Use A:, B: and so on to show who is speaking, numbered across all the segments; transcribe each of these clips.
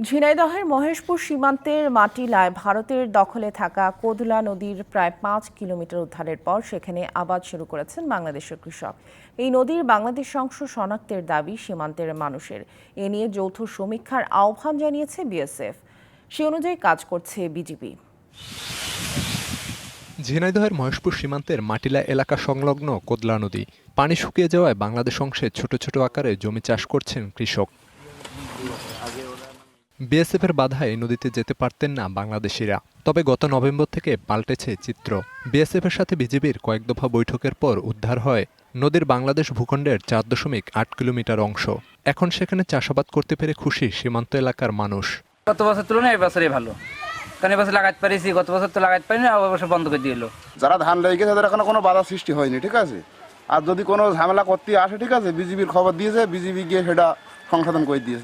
A: ঝিনাইদহের মহেশপুর সীমান্তের মাটিলায় ভারতের দখলে থাকা কোদলা নদীর প্রায় 5 কিলোমিটার উদ্ধারের পর সেখানে আবাদ শুরু করেছেন বাংলাদেশের কৃষক। এই নদীর বাংলাদেশ অংশ শনাক্তের দাবি সীমান্তের মানুষের। এ নিয়ে যৌথ সমীক্ষার আহ্বান জানিয়েছে বিএসএফ। সে অনুযায়ী কাজ করছে বিজিবি।
B: ঝিনাইদহের মহেশপুর সীমান্তের মাটিলা এলাকা সংলগ্ন কোদলা নদী পানি শুকিয়ে যাওয়ায় বাংলাদেশ অংশে ছোট ছোট আকারে জমি চাষ করছেন কৃষক। বিএসএফের বাধায় এই নদীতে যেতে পারতেন না বাংলাদেশিরা। তবে গত নভেম্বর থেকে পাল্টেছে চিত্র। বিএসএফের সাথে বিজিবির কয়েক দফা বৈঠকের পর উদ্ধার হয় নদীর বাংলাদেশ ভূখণ্ডের 4.8 কিলোমিটার অংশ। এখন সেখানে চাষাবাদ করতে পেরে খুশি সীমান্ত এলাকার মানুষ।
C: গত বছর তুলনায় এবছরই ভালো, কারণ এবছর লাগাতে পারিছি, গত বছর তো লাগাতে পারিনি, এবছর বন্ধ করে দিল।
D: যারা ধান লেগে তাদের এখনো কোনো বাধা সৃষ্টি হয়নি, ঠিক আছে। আর যদি কোনো ঝামেলা করতে আসে, ঠিক আছে, বিজিবির খবর দিয়েছে, বিজিবি গিয়ে সেটা সংশোধন করে দিয়েছে।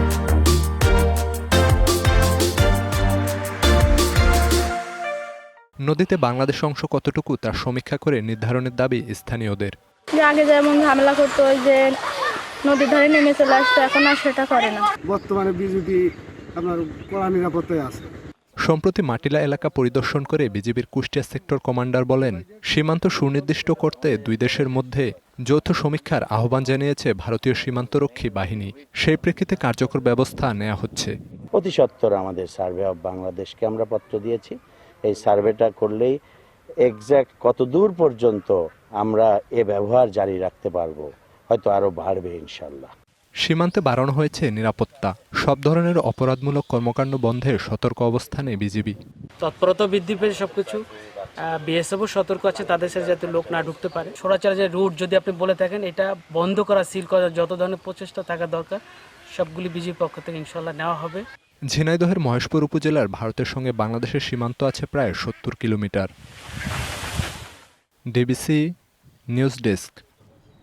B: নদীতে বাংলাদেশ অংশ কতটুকু তার সমীক্ষা করে নির্ধারণের দাবি স্থানীয়দের।
E: আগে যেমন ঝামেলা করতো, ওই যে নদীর ধারে নেমে চলে আসতো, এখন আর সেটা করে না।
F: বর্তমানে বিজেপি আপনার কড়া নিরাপত্তায় আছে।
B: সম্প্রতি মাটিলা এলাকা পরিদর্শন করে বিজিবির কুষ্টিয়া সেক্টর কমান্ডার বলেন, সীমান্ত সুনির্দিষ্ট করতে দুই দেশের মধ্যে যৌথ সমীক্ষার আহ্বান জানিয়েছে ভারতীয় সীমান্তরক্ষী বাহিনী। সেই প্রেক্ষিতে কার্যকর ব্যবস্থা নেওয়া হচ্ছে।
G: অতি সত্বর আমাদের সার্ভে অফ বাংলাদেশকে আমরা পত্র দিয়েছি। এই সার্ভেটা করলেই এক্স্যাক্ট কত দূর পর্যন্ত আমরা এ ব্যবহার জারি রাখতে পারবো, হয়তো আরো বাড়বে ইনশাল্লাহ।
B: সীমান্তে বাড়ানো হয়েছে নিরাপত্তা। সব ধরনের অপরাধমূলক কর্মকাণ্ড বন্ধের সতর্ক অবস্থানে বিজিবি।
H: তৎপরতা বৃদ্ধি পেয়েছে সবকিছু। বিএসএফও সতর্ক আছে তাদের সাথে যাতে লোক না ঢুকতে পারে। সরাসরি যে রুট যদি আপনি বলে থাকেন, এটা বন্ধ করা, সিল করা, যত ধরনের প্রচেষ্টা থাকা দরকার সবগুলি বিজিবির পক্ষ থেকে ইনশাল্লাহ নেওয়া হবে।
B: ঝিনাইদহের মহেশপুর উপজেলার ভারতের সঙ্গে বাংলাদেশের সীমান্ত আছে প্রায় 70 কিলোমিটার। DBC news desk.